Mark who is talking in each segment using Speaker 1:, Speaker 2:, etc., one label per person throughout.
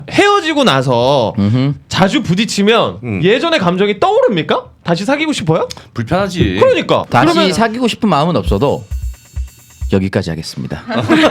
Speaker 1: 헤어지고 나서 자주 부딪히면 예전의 감정이 떠오릅니까? 다시 사귀고 싶어요?
Speaker 2: 불편하지.
Speaker 1: 그러니까.
Speaker 3: 다시
Speaker 1: 그러면
Speaker 3: 사귀고 싶은 마음은 없어도 여기까지 하겠습니다.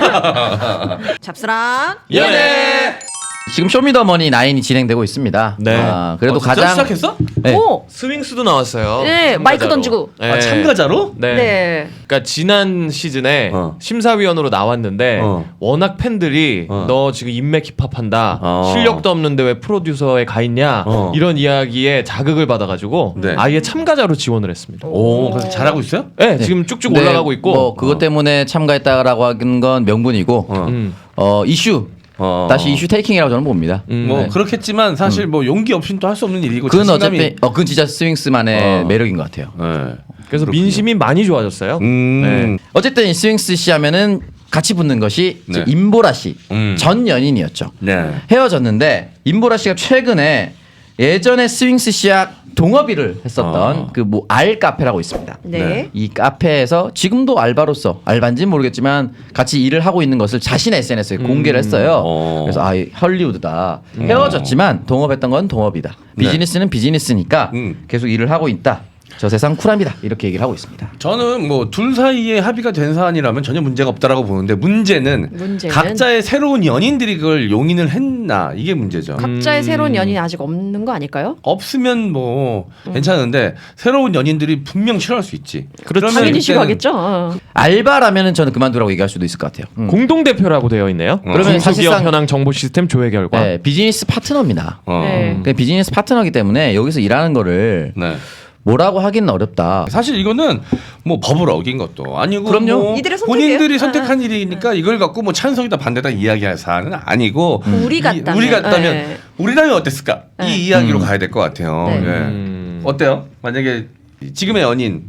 Speaker 4: 잡스랑
Speaker 1: 예.
Speaker 3: 지금 쇼미더머니 9이 진행되고 있습니다.
Speaker 1: 네.
Speaker 3: 그래도
Speaker 2: 진짜
Speaker 3: 가장
Speaker 2: 시작했어?
Speaker 3: 네.
Speaker 4: 오!
Speaker 1: 스윙스도 나왔어요.
Speaker 4: 네,
Speaker 1: 참가자로.
Speaker 4: 마이크 던지고.
Speaker 1: 네.
Speaker 2: 아, 참가자로?
Speaker 1: 네.
Speaker 4: 네.
Speaker 1: 그러니까 지난 시즌에
Speaker 2: 어.
Speaker 1: 심사위원으로 나왔는데
Speaker 2: 어.
Speaker 1: 워낙 팬들이
Speaker 2: 어.
Speaker 1: 너 지금 인맥 힙합한다.
Speaker 2: 어.
Speaker 1: 실력도 없는데 왜 프로듀서에 가 있냐.
Speaker 2: 어.
Speaker 1: 이런 이야기에 자극을 받아가지고
Speaker 2: 네.
Speaker 1: 아예 참가자로 지원을 했습니다.
Speaker 2: 오, 그래서 잘하고 있어요?
Speaker 1: 네, 지금 쭉쭉
Speaker 3: 근데
Speaker 1: 올라가고 있고.
Speaker 3: 뭐 그것 때문에 참가했다라고 하는 건 명분이고
Speaker 1: 음.
Speaker 3: 이슈 다시 이슈 테이킹이라고 저는 봅니다.
Speaker 2: 뭐
Speaker 3: 네.
Speaker 2: 그렇겠지만 사실 뭐 용기 없이는 또 할 수 없는 일이고
Speaker 3: 그건
Speaker 2: 자신감이-
Speaker 3: 어차피 그건 진짜 스윙스만의 매력인 것 같아요.
Speaker 2: 네.
Speaker 1: 그래서 민심이 많이 좋아졌어요.
Speaker 2: 음.
Speaker 3: 어쨌든 이 스윙스 씨 하면은 같이 붙는 것이 이제
Speaker 2: 네.
Speaker 3: 임보라 씨 전 연인이었죠.
Speaker 2: 네.
Speaker 3: 헤어졌는데 임보라 씨가 최근에 예전에 스윙스 씨와 동업일을 했었던 그 뭐 알 카페라고 있습니다.
Speaker 4: 네.
Speaker 2: 네.
Speaker 3: 이 카페에서 지금도 알바로서 알바인지는 모르겠지만 같이 일을 하고 있는 것을 자신의 SNS에 공개를 했어요. 그래서 아 헐리우드다. 헤어졌지만 동업했던 건 동업이다. 비즈니스는 비즈니스니까 계속 일을 하고 있다. 저 세상 쿨합니다. 이렇게 얘기를 하고 있습니다.
Speaker 2: 저는 뭐 둘 사이에 합의가 된 사안이라면 전혀 문제가 없다라고 보는데 문제는 각자의 새로운 연인들이 그걸 용인을 했나 이게 문제죠.
Speaker 4: 각자의 새로운 연인이 아직 없는 거 아닐까요?
Speaker 2: 없으면 뭐 괜찮은데 새로운 연인들이 분명 싫어할 수 있지. 그러면
Speaker 4: 당연히
Speaker 2: 그때는-
Speaker 4: 싫어하겠죠. 어.
Speaker 3: 알바라면은 저는 그만두라고 얘기할 수도 있을 것 같아요.
Speaker 1: 공동 대표라고 되어 있네요.
Speaker 3: 그러면
Speaker 1: 중소기업
Speaker 3: 사실상-
Speaker 1: 현황 정보 시스템 조회 결과.
Speaker 3: 네, 비즈니스 파트너입니다.
Speaker 4: 네.
Speaker 3: 그 비즈니스 파트너이기 때문에 여기서 일하는 거를
Speaker 2: 네.
Speaker 3: 뭐라고 하기는 어렵다.
Speaker 2: 사실 이거는 뭐 법을 어긴 것도 아니고
Speaker 3: 그럼요.
Speaker 2: 뭐
Speaker 4: 이들의 선택이에요.
Speaker 2: 본인들이 선택한 일이니까 이걸 갖고 뭐 찬성이다 반대다 이야기할 사안은 아니고
Speaker 4: 우리 같다면.
Speaker 2: 우리 같다면
Speaker 4: 네.
Speaker 2: 우리라면 어땠을까
Speaker 4: 네.
Speaker 2: 이 이야기로 가야 될 것 같아요.
Speaker 4: 네.
Speaker 2: 예. 어때요? 만약에 지금의 연인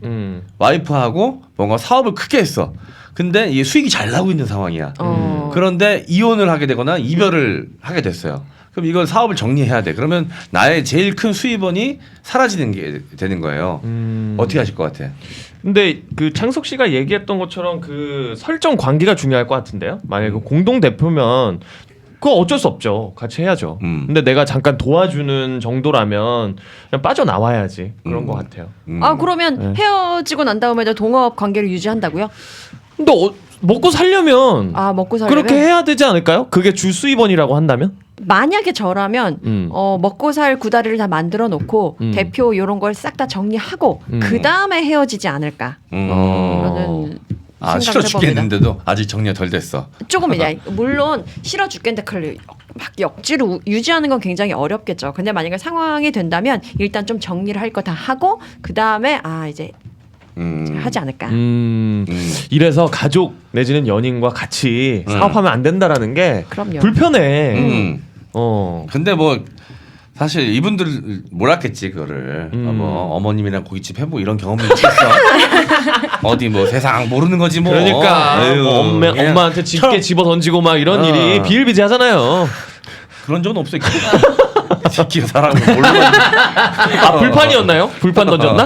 Speaker 2: 와이프하고 뭔가 사업을 크게 했어. 근데 이게 수익이 잘 나고 있는 상황이야. 그런데 이혼을 하게 되거나 이별을 하게 됐어요. 그럼 이걸 사업을 정리해야 돼. 그러면 나의 제일 큰 수입원이 사라지는 게 되는 거예요. 어떻게 하실 것 같아?
Speaker 1: 근데 그 창석 씨가 얘기했던 것처럼 그 설정 관계가 중요할 것 같은데요. 만약에 그 공동 대표면 그거 어쩔 수 없죠. 같이 해야죠. 근데 내가 잠깐 도와주는 정도라면 그냥 빠져나와야지. 그런 것 같아요.
Speaker 4: 아 그러면 헤어지고 난 다음에도 동업 관계를 유지한다고요?
Speaker 1: 근데 먹고 살려면
Speaker 4: 아 먹고 살려면
Speaker 1: 그렇게 해야 되지 않을까요? 그게 주 수입원이라고 한다면?
Speaker 4: 만약에 저라면 먹고 살 구다리를 다 만들어 놓고 대표 이런 걸 싹 다 정리하고 그 다음에 헤어지지 않을까? 그러는
Speaker 2: 아 싫어
Speaker 4: 생각을 해봅니다.
Speaker 2: 죽겠는데도 아직 정리가 덜 됐어.
Speaker 4: 조금 이제 물론 싫어 죽겠는데 그걸 막 억지로 유지하는 건 굉장히 어렵겠죠. 근데 만약에 상황이 된다면 일단 좀 정리를 할 거 다 하고 그 다음에 아 이제 하지 않을까.
Speaker 1: 이래서 가족 내지는 연인과 같이 사업하면 안 된다라는 게
Speaker 4: 그럼요.
Speaker 1: 불편해.
Speaker 2: 근데 뭐 사실 이분들 몰랐겠지 그거를 뭐 어머님이랑 고깃집 해보고 이런 경험이 있겠어. 어디 뭐 세상 모르는 거지 뭐.
Speaker 1: 그러니까
Speaker 2: 에휴,
Speaker 1: 뭐
Speaker 2: 그냥
Speaker 1: 엄마한테 집게
Speaker 2: 처럼-
Speaker 1: 집어 던지고 막 이런 일이 비일비재하잖아요.
Speaker 2: 그런 적은 없어. 이 새끼가 사람을 모르는.
Speaker 1: 아 불판이었나요? 불판 던졌나?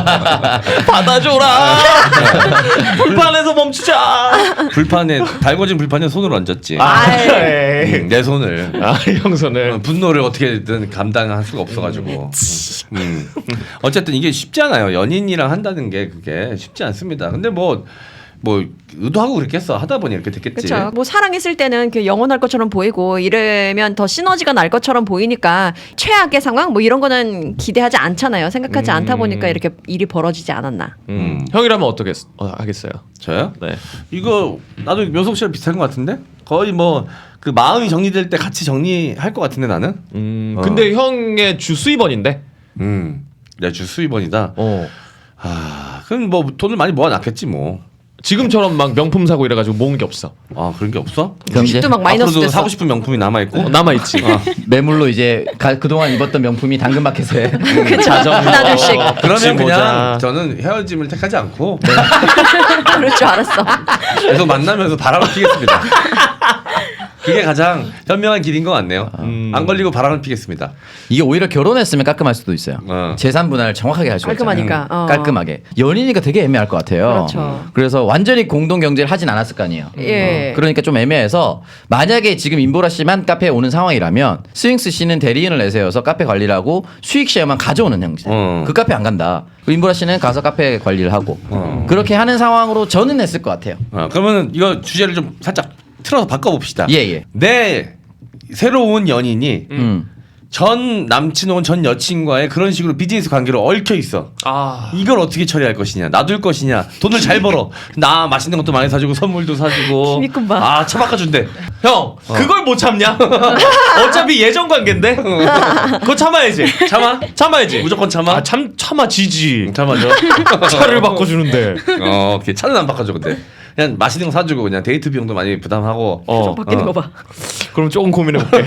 Speaker 1: 받아줘라. 불판에서 멈추자.
Speaker 2: 불판에 달궈진 불판에 손을 얹었지.
Speaker 1: 에이.
Speaker 2: 내 손을.
Speaker 1: 아 형선을.
Speaker 2: 분노를 어떻게든 감당할 수가 없어가지고. 어쨌든 이게 쉽지 않아요. 연인이랑 한다는 게 그게 쉽지 않습니다. 근데 뭐 의도하고 그랬겠어. 하다 보니 이렇게 됐겠지.
Speaker 4: 그렇죠. 뭐 사랑했을 때는 그 영원할 것처럼 보이고 이러면 더 시너지가 날 것처럼 보이니까 최악의 상황 뭐 이런 거는 기대하지 않잖아요. 생각하지 않다 보니까 이렇게 일이 벌어지지 않았나.
Speaker 1: 형이라면 어떻게 하겠어요?
Speaker 2: 저요?
Speaker 1: 네.
Speaker 2: 이거 나도 묘석 씨랑 비슷한 것 같은데 거의 뭐 그 마음이 정리될 때 같이 정리할 것 같은데 나는.
Speaker 1: 근데 형의 주 수입원인데.
Speaker 2: 내 주 수입원이다. 아 그럼 뭐 돈을 많이 모아놨겠지 뭐.
Speaker 1: 지금처럼 막 명품 사고 이래가지고 모은 게 없어.
Speaker 2: 아 그런 게 없어?
Speaker 3: 그럼 이제
Speaker 4: 주식도 막 마이너스
Speaker 2: 앞으로도
Speaker 4: 됐어.
Speaker 2: 사고 싶은 명품이 남아 있고.
Speaker 1: 남아 있지.
Speaker 3: 매물로 이제 그동안 입었던 명품이 당근마켓에
Speaker 1: 자전거.
Speaker 4: 하나둘씩.
Speaker 2: 그러면 그냥
Speaker 1: 모자.
Speaker 2: 저는 헤어짐을 택하지 않고
Speaker 4: 그럴 줄 알았어.
Speaker 2: 계속 만나면서 바람을 피겠습니다. 그게 가장 현명한 길인 것 같네요. 안 걸리고 바람을 피겠습니다.
Speaker 3: 이게 오히려 결혼했으면 깔끔할 수도 있어요.
Speaker 2: 어.
Speaker 3: 재산 분할을 정확하게 할 수가 있잖아요.
Speaker 4: 깔끔하니까.
Speaker 3: 깔끔하게. 연인이니까 되게 애매할 것 같아요.
Speaker 4: 그렇죠.
Speaker 3: 그래서 완전히 공동 경제를 하진 않았을 거 아니에요.
Speaker 4: 예.
Speaker 3: 그러니까 좀 애매해서 만약에 지금 임보라 씨만 카페에 오는 상황이라면 스윙스 씨는 대리인을 내세워서 카페 관리를 하고 수익 쉐어만 가져오는 형식. 그 카페 안 간다. 임보라 씨는 가서 카페 관리를 하고 그렇게 하는 상황으로 저는 했을 것 같아요.
Speaker 2: 그러면 이거 주제를 좀 살짝 틀어서 바꿔봅시다.
Speaker 3: 예.
Speaker 2: 내 새로운 연인이 전 남친 혹은 전 여친과의 그런 식으로 비즈니스 관계로 얽혀 있어. 이걸 어떻게 처리할 것이냐, 놔둘 것이냐. 돈을 잘 벌어. 나 맛있는 것도 많이 사주고 선물도 사주고.
Speaker 4: 김익근 봐.
Speaker 2: 차 바꿔준대.
Speaker 1: 형 그걸 못 참냐? 어차피 예전 관계인데 그거 참아야지. 참아야지.
Speaker 2: 무조건 참아.
Speaker 1: 참아지지.
Speaker 2: 참아줘.
Speaker 1: 차를 바꿔주는데.
Speaker 2: 오케이. 차는 안 바꿔줘 근데. 그냥 맛있는 거 사주고 그냥 데이트 비용도 많이 부담하고.
Speaker 4: 좀 바뀌는 거 봐.
Speaker 1: 그럼 조금 고민해볼게.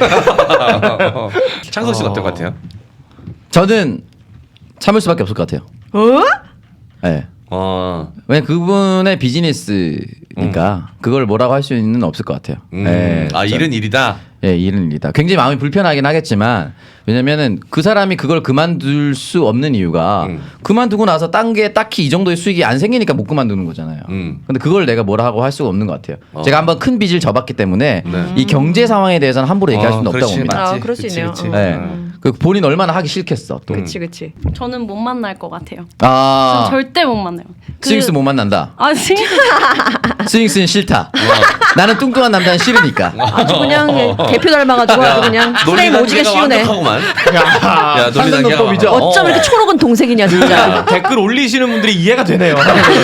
Speaker 2: 창석 씨는 어떨 것 같아요?
Speaker 3: 저는 참을 수밖에 없을 것 같아요. 네. 왜냐 그분의 비즈니스니까 그걸 뭐라고 할 수는 없을 것 같아요. 네,
Speaker 2: 일은 일이다.
Speaker 3: 예, 일은 일이다. 굉장히 마음이 불편하긴 하겠지만 왜냐면은 그 사람이 그걸 그만둘 수 없는 이유가 그만두고 나서 딴 게 딱히 이 정도의 수익이 안 생기니까 못 그만두는 거잖아요. 근데 그걸 내가 뭐라고 할 수가 없는 것 같아요. 제가 한번 큰 빚을 져봤기 때문에 이 경제 상황에 대해서는 함부로 얘기할 수는 없다고 봅니다.
Speaker 2: 맞지.
Speaker 4: 그럴 수 있네요.
Speaker 3: 네. 그 본인 얼마나 하기 싫겠어. 또.
Speaker 4: 그치.
Speaker 5: 저는 못 만날 것 같아요.
Speaker 3: 아,
Speaker 5: 절대 못 만나요.
Speaker 3: 스윙스 못 만난다.
Speaker 5: 아 스윙스
Speaker 3: 스윙스는 싫다. 나는 뚱뚱한 남자는 싫으니까.
Speaker 4: 아주 그냥 대표 닮아가지고 아주 그냥 프레임 오지게 씌우네.
Speaker 2: 야,
Speaker 3: 상상노법이죠.
Speaker 4: 어쩜 이렇게 초록은 동색이냐 진짜.
Speaker 1: 댓글 올리시는 분들이 이해가 되네요.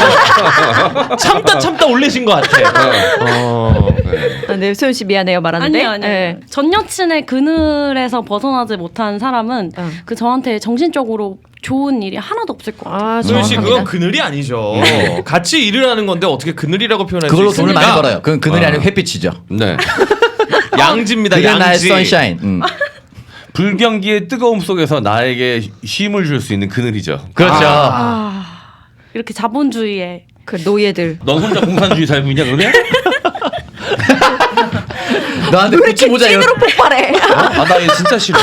Speaker 1: 참다 올리신 것 같아.
Speaker 4: 네, 소연 씨 미안해요 말하는데.
Speaker 5: 아니요.
Speaker 4: 네.
Speaker 5: 전 여친의 그늘에서 벗어나지 못한 사람은 그 저한테 정신적으로 좋은 일이 하나도 없을 것 같아요.
Speaker 1: 소연 씨 그건 그늘이 아니죠. 같이 일을 하는 건데 어떻게 그늘이라고 표현할 수
Speaker 3: 그걸로
Speaker 1: 있습니까?
Speaker 3: 돈을 많이 벌어요. 그건 그늘이 아니고 햇빛이죠.
Speaker 2: 네.
Speaker 1: 양지입니다.
Speaker 3: 그게 나의
Speaker 1: 양지.
Speaker 3: 선샤인.
Speaker 2: 불경기의 뜨거움 속에서 나에게 쉼을 줄 수 있는 그늘이죠.
Speaker 3: 그렇죠.
Speaker 5: 이렇게 자본주의에
Speaker 4: 그 노예들.
Speaker 2: 넌 혼자 공산주의 살고 있냐 그러냐?
Speaker 3: 너한테
Speaker 4: 왜
Speaker 3: 구찌
Speaker 4: 이렇게
Speaker 3: 모자
Speaker 4: 찐으로 폭발해?
Speaker 2: 나 얘 진짜 싫어.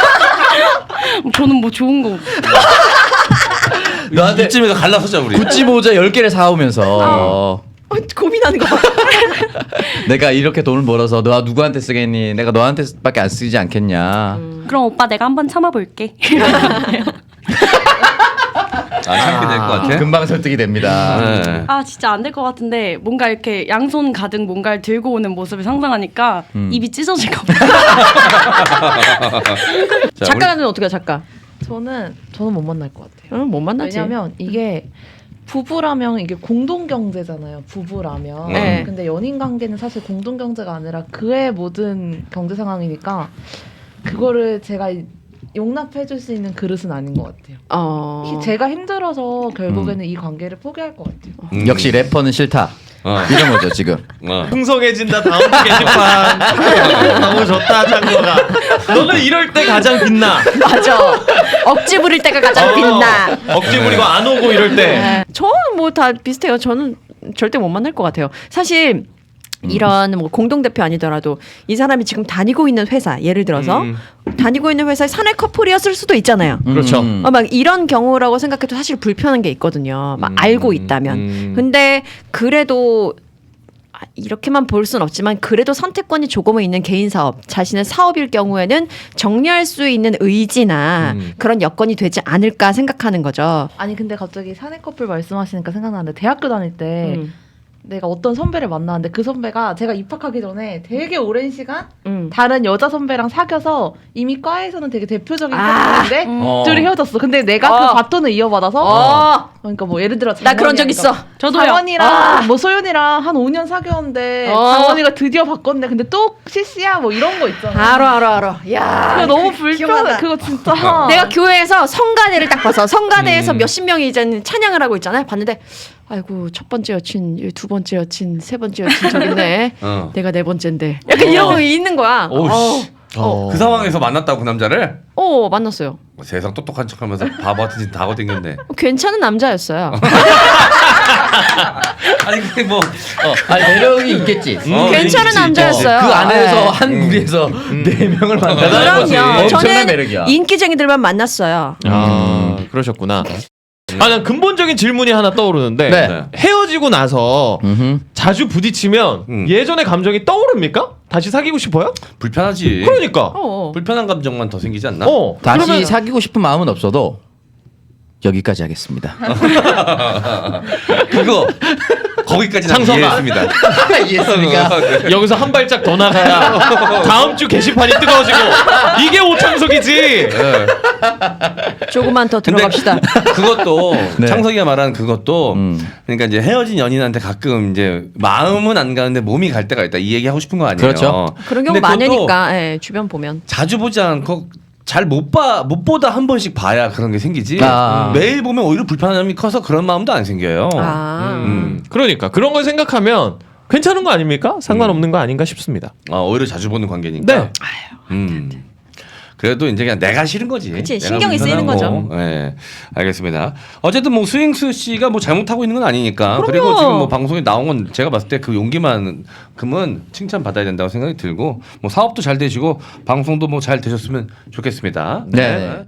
Speaker 5: 저는 뭐 좋은 거
Speaker 3: 너한테
Speaker 2: 이쯤에서 갈라서자 우리.
Speaker 3: 구찌 모자 10개를 사오면서
Speaker 4: 고민하는 거 봐.
Speaker 3: 내가 이렇게 돈을 벌어서 너가 누구한테 쓰겠니? 내가 너한테밖에 안 쓰지 않겠냐.
Speaker 5: 그럼 오빠 내가 한번 참아볼게.
Speaker 2: 참게 될 것 같아.
Speaker 3: 금방 설득이 됩니다.
Speaker 2: 네.
Speaker 5: 아 진짜 안 될 것 같은데 뭔가 이렇게 양손 가득 뭔가를 들고 오는 모습을 상상하니까 입이 찢어질 것 같아요.
Speaker 2: 자,
Speaker 4: 작가는 어떻게 작가?
Speaker 6: 저는 못 만날 것 같아요.
Speaker 4: 못 만나지.
Speaker 6: 왜냐면 이게 부부라면 이게 공동 경제잖아요. 부부라면.
Speaker 4: 네.
Speaker 6: 근데 연인 관계는 사실 공동 경제가 아니라 그의 모든 경제 상황이니까 그거를 제가 용납해줄 수 있는 그릇은 아닌 것 같아요. 제가 힘들어서 결국에는 이 관계를 포기할 것 같아요.
Speaker 3: 역시 래퍼는 싫다. 이런 거죠 지금.
Speaker 1: 풍성해진다 다음 주 게시판. 너무 좋다 창거가. 너는 이럴 때 가장 빛나.
Speaker 4: 맞아. 억지 부릴 때가 가장 빛나.
Speaker 1: 억지 부리고 안 오고 이럴 때.
Speaker 4: 네. 저는 뭐 다 비슷해요. 저는 절대 못 만날 것 같아요. 사실 이런 뭐 공동 대표 아니더라도 이 사람이 지금 다니고 있는 회사 예를 들어서 다니고 있는 회사의 사내 커플이었을 수도 있잖아요.
Speaker 1: 그렇죠.
Speaker 4: 막 이런 경우라고 생각해도 사실 불편한 게 있거든요. 막 알고 있다면. 근데 그래도 이렇게만 볼 수는 없지만 그래도 선택권이 조금은 있는 개인 사업, 자신의 사업일 경우에는 정리할 수 있는 의지나 그런 여건이 되지 않을까 생각하는 거죠.
Speaker 6: 아니 근데 갑자기 사내 커플 말씀하시니까 생각나는데 대학교 다닐 때 내가 어떤 선배를 만나는데 그 선배가 제가 입학하기 전에 되게 오랜 시간 다른 여자 선배랑 사귀어서 이미 과에서는 되게 대표적인 사람인데 둘이 헤어졌어. 근데 내가 그 바톤을 이어받아서 그러니까 뭐 예를 들어
Speaker 4: 나 그런 적 있어.
Speaker 5: 저도요.
Speaker 6: 장원이랑 뭐 소윤이랑 한 5년 사귀었는데 장원이가 드디어 바꿨네. 근데 또 CC야 뭐 이런 거 있잖아.
Speaker 4: 알아. 야,
Speaker 6: 그거 너무 불편해. 그거 진짜.
Speaker 4: 내가 교회에서 성가대를 딱 봐서 성가대에서 몇십 명이 이제 찬양을 하고 있잖아요. 봤는데 아이고 첫 번째 여친, 두 번째 여친, 세 번째 여친 저기 있네. 내가 네 번째인데. 약간 이런 거 있는 거야.
Speaker 2: 그 상황에서 만났다고 그 남자를?
Speaker 4: 만났어요.
Speaker 2: 세상 똑똑한 척하면서 바보 같은 짓 다 하고 댕겼네.
Speaker 4: 괜찮은 남자였어요.
Speaker 2: 아니 그게 뭐
Speaker 3: 아니 매력이 있겠지.
Speaker 4: 괜찮은
Speaker 2: 있지,
Speaker 4: 남자였어요.
Speaker 3: 그 안에서
Speaker 4: 네.
Speaker 3: 한 무리에서 4명을 만나는 거지.
Speaker 4: 그럼요.
Speaker 3: 엄청난
Speaker 4: 저는
Speaker 3: 매력이야.
Speaker 4: 인기쟁이들만 만났어요.
Speaker 1: 그러셨구나. 난 근본적인 질문이 하나 떠오르는데
Speaker 3: 네.
Speaker 1: 헤어지고 나서 자주 부딪히면 예전의 감정이 떠오릅니까? 다시 사귀고 싶어요?
Speaker 2: 불편하지.
Speaker 1: 그러니까.
Speaker 2: 불편한 감정만 더 생기지 않나?
Speaker 3: 다시
Speaker 1: 그러면-
Speaker 3: 사귀고 싶은 마음은 없어도 여기까지 하겠습니다.
Speaker 2: 그거 거기까지는
Speaker 1: 창석아.
Speaker 2: 이해했습니다.
Speaker 3: 이해했습니까?
Speaker 1: 여기서 한 발짝 더 나가야 다음 주 게시판이 뜨거워지고 이게 오창석이지.
Speaker 4: 조금만 더 들어갑시다.
Speaker 2: 그것도
Speaker 3: 네.
Speaker 2: 창석이가 말하는 그것도 그러니까 이제 헤어진 연인한테 가끔 이제 마음은 안 가는데 몸이 갈 때가 있다 이 얘기 하고 싶은 거 아니에요?
Speaker 3: 그렇죠.
Speaker 4: 그런 경우
Speaker 2: 근데 그것도
Speaker 4: 많으니까 예, 주변 보면.
Speaker 2: 자주 보지 않고 잘 못 보다 한 번씩 봐야 그런 게 생기지. 매일 보면 오히려 불편함이 커서 그런 마음도 안 생겨요.
Speaker 1: 그러니까 그런 걸 생각하면 괜찮은 거 아닙니까? 상관없는 거 아닌가 싶습니다.
Speaker 2: 오히려 자주 보는 관계니까.
Speaker 1: 네.
Speaker 2: 그래도 이제 그냥 내가 싫은 거지.
Speaker 4: 그치,
Speaker 2: 내가
Speaker 4: 신경이 쓰이는
Speaker 2: 불편하고.
Speaker 4: 거죠.
Speaker 2: 네, 알겠습니다. 어쨌든 뭐 스윙스 씨가 뭐 잘못하고 있는 건 아니니까.
Speaker 4: 그럼요.
Speaker 2: 그리고 지금 뭐 방송에 나온 건 제가 봤을 때 그 용기만큼은 칭찬 받아야 된다고 생각이 들고 뭐 사업도 잘 되시고 방송도 뭐 잘 되셨으면 좋겠습니다.
Speaker 3: 네.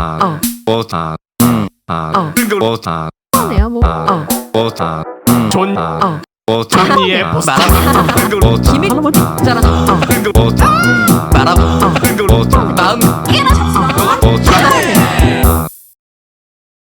Speaker 4: 네요 뭐.
Speaker 1: 존
Speaker 4: 언니의 기믹 잘하는.
Speaker 3: 말하고 마음